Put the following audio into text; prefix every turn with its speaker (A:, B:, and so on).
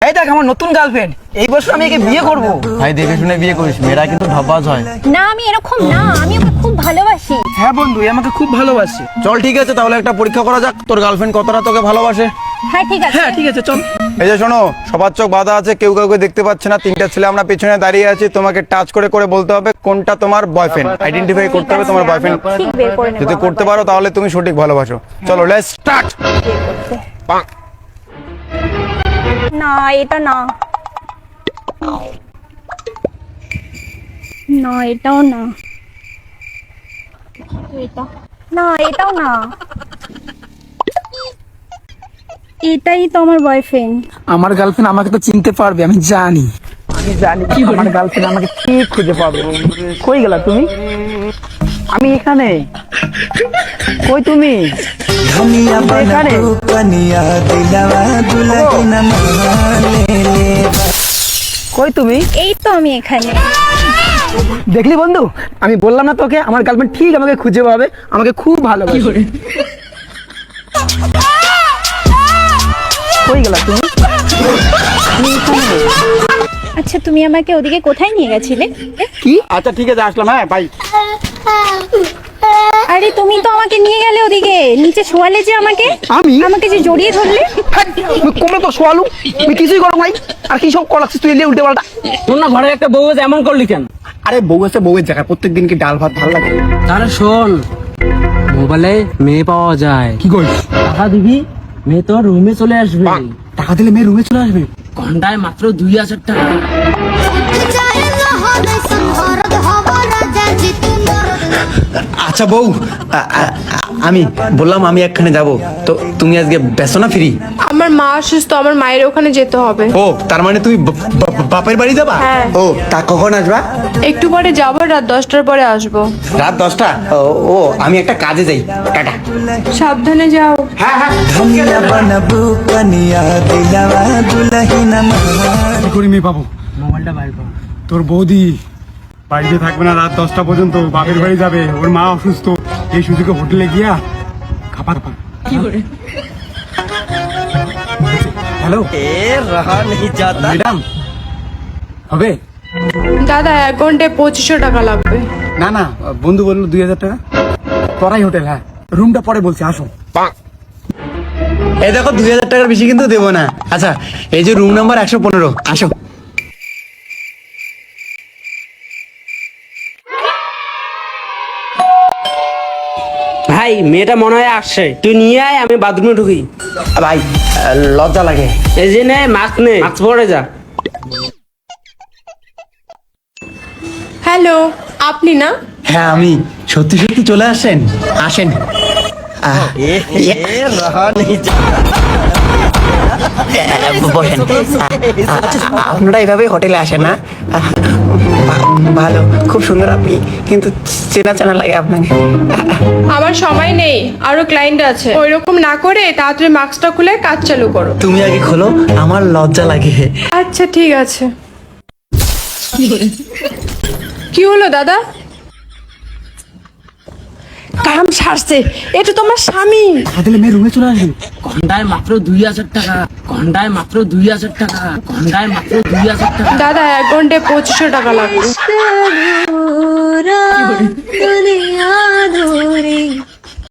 A: এই দেখ আমার নতুন গার্লফ্রেন্ড, এই বছর আমি একে বিয়ে করব।
B: ভাই দেখে শুনে বিয়ে করিস, মেয়েরা কিন্তু ঢপাজ হয়।
C: না আমি এরকম না, আমি ওকে খুব ভালোবাসি।
A: হ্যাঁ বন্ধু, এ আমাকে খুব ভালোবাসে।
B: চল ঠিক আছে, তাহলে একটা পরীক্ষা করা যাক, তোর গার্লফ্রেন্ড কতটা তোকে ভালোবাসে।
C: হ্যাঁ ঠিক আছে।
A: হ্যাঁ ঠিক আছে, চল।
B: এই যে শোনো, সবার চোখ বাঁধা আছে, কেউ কাউকে দেখতে পাচ্ছে না। তিনটা ছেলে আমরা পেছনে দাঁড়িয়ে আছি, তোমাকে টাচ করে করে বলতে হবে কোনটা তোমার বয়ফ্রেন্ড, আইডেন্টিফাই করতে হবে তোমার বয়ফ্রেন্ড।
C: ঠিক বের করে নেব।
B: যদি করতে পারো তাহলে তুমি সঠিক ভালোবাসো। চলো লেটস স্টার্ট।
C: না এটা না, না এটাও না, এটা না, এটাও না, এটাই তো আমার বয়ফ্রেন্ড।
A: আমার গার্লফ্রেন্ড আমাকে তো চিনতে পারবে, আমি জানি। আমি জানি আমার গার্লফ্রেন্ড আমাকে ঠিক খুঁজে পাবে। কই গেলা তুমি? আমি এখানে। কই তুমি? এখানে। কই তুমি?
C: এই তো আমি এখানে।
A: দেখলি বন্ধু, আমি বললাম না তোকে, আমার গার্লফ্রেন্ড ঠিক আমাকে খুঁজে পাবে, আমাকে খুব ভালোবাসে। কই গেলা তুমি? আমি এখানে।
C: আচ্ছা তুমি আমাকে ওদিকে কোথায় নিয়ে গেছিলে?
A: কি?
B: আচ্ছা ঠিক আছে, আসলাম। হ্যাঁ বাই।
C: আরে তুমি তো আমাকে নিয়ে গেলে ওদিকে, নিচে শোয়ালে যে আমাকে,
A: আমি?
C: আমাকে যে জড়িয়ে ধরলে।
A: তুমি কমলে তো শোয়ালু, তুই কিছুই করো নাই। আর কি সব করাচ্ছিস তুই, এলে উল্টে পাল্টা।
D: তোর না ঘরে একটা বউ আছে, এমন করলি কেন?
A: আরে বউ আছে, বউয়ের জায়গায় প্রত্যেকদিন কি ডাল ভাত ভালো লাগে?
D: তাহলে শোন, মোবাইলে মেয়ে পাওয়া যায়,
A: কি করিস?
D: টাকা দিবি, মেয়ে তোর রুমে চলে আসবে।
A: টাকা দিলে মেয়ে রুমে চলে আসবে?
D: ঘন্টায় মাত্র 2000 টাকা।
B: আচ্ছা বউ, আমি বললাম আমি একখানে যাব, তো তুমি আজকে ব্যস্ত না? ফ্রি?
E: আমার মা অসুস্থ, আমার মায়ের ওখানে যেতে হবে।
B: ও তার মানে তুমি বাপের বাড়ি যাবা?
E: হ্যাঁ।
B: ও তা কখন আসবা?
E: একটু পরে যাবো, রাত 10টার পরে আসবো।
B: রাত 10টা? ও আমি একটা কাজে যাই, টাটা।
E: সাবধানে যাও।
B: হ্যাঁ হ্যাঁ।
F: কি করি মেয়ে পাবো?
D: মোবাইলটা বাইর কর।
F: তোর বৌদি বাড়িতে থাকবে না রাত 10টা পর্যন্ত, বাপের বাড়ি যাবে, ওর মা অসুস্থ। এই সুযোগে হোটেলে গিয়া খাবার পা। হ্যালো ম্যাডাম, হবে?
E: দাদা 1 ঘন্টায় 2500 টাকা লাগবে।
F: না না, বন্ধু বললো 2000 টাকা। তরাই হোটেল, হ্যাঁ রুমটা পরে বলছি, আসো।
B: এই দেখো 2000 টাকার বেশি কিন্তু দেবো না। আচ্ছা এই যে রুম নাম্বার 115, আসো।
D: ভাই মেয়েটা মনে হয় আসছে, তুই নিয়ে আয়, আমি বাথরুমে ঢুকি।
B: ভাই লজ্জা লাগে।
D: এই যে নে মাস্ক, নে মাস্ক পরে যা।
E: হ্যালো, আপনি না?
B: হ্যাঁ আমি। সত্যি সত্যি চলে আসেন? আসেন। বসেন। আচ্ছা, আপনারা এভাবে হোটেলে আসেন না? ভালো, খুব সুন্দর আপনি, কিন্তু চেনা চেনা লাগে আপনাকে।
E: আমার সময় নেই, আরো ক্লায়েন্ট আছে। ওইরকম না করে তাড়াতাড়ি মাস্কটা খুলে কাজ চালু করো।
B: তুমি আগে খোলো, আমার লজ্জা লাগে।
E: আচ্ছা ঠিক আছে। কি হলো দাদা? কাম সারছে, এটা তোমার স্বামী।
F: টাকা দিলে মেয়ে রুমে চলে আসবে।
D: ঘন্টায় মাত্র 2000 টাকা, ঘন্টায় মাত্র 2000 টাকা, ঘন্টায় মাত্র 2000 টাকা।
E: দাদা 1 ঘন্টায় 2500 টাকা লাগবে।
C: দুনিয়া ধরে